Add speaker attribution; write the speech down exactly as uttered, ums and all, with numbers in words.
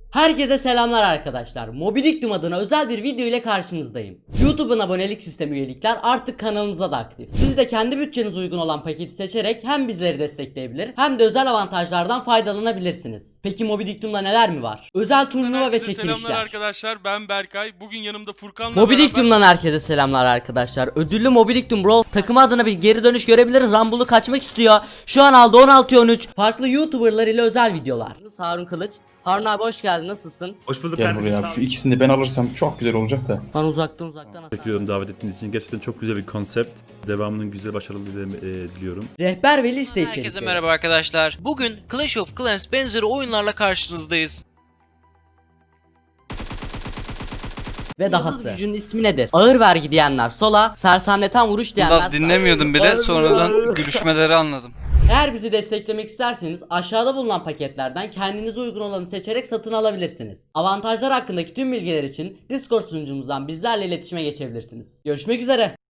Speaker 1: Herkese selamlar arkadaşlar. Mobilikdum adına özel bir video ile karşınızdayım. YouTube'un abonelik sistemi üyelikler artık kanalımızda da aktif. Siz de kendi bütçenize uygun olan paketi seçerek hem bizleri destekleyebilir hem de özel avantajlardan faydalanabilirsiniz. Peki Mobilikdum'da neler mi var? Özel turnuva ve
Speaker 2: Herkese
Speaker 1: çekilişler.
Speaker 2: Selamlar arkadaşlar, ben Berkay. Bugün yanımda Furkan'la
Speaker 1: Mobilikdum'dan herkese selamlar arkadaşlar. Ödüllü Mobilikdum Brawl takımı adına bir geri dönüş görebiliriz. Rumble'ı kaçmak istiyor. Şu an aldı on altıya on üç. Farklı YouTuber'lar ile özel videolar. Harun Kılıç. Harun abi hoş geldin, nasılsın?
Speaker 3: Hoş bulduk
Speaker 4: Gel
Speaker 3: kardeşim.
Speaker 4: buraya abi. Şu ikisini de ben alırsam çok güzel olacak da.
Speaker 1: Ben uzaktan uzaktan
Speaker 3: Teşekkür ederim davet ettiğiniz için. Gerçekten çok güzel bir konsept. Devamının güzel, başarılı e, diliyorum.
Speaker 1: Rehber ve liste içerikleri.
Speaker 5: Herkese merhaba arkadaşlar. Bugün Clash of Clans benzeri oyunlarla karşınızdayız.
Speaker 1: Ve dahası. Gücün ismi nedir? Ağır vergi diyenler sola, sersemleten vuruş diyenler
Speaker 6: Daha dinlemiyordum bile, sonradan gülüşmeleri anladım.
Speaker 1: Eğer bizi desteklemek isterseniz aşağıda bulunan paketlerden kendinize uygun olanı seçerek satın alabilirsiniz. Avantajlar hakkındaki tüm bilgiler için Discord sunucumuzdan bizlerle iletişime geçebilirsiniz. Görüşmek üzere.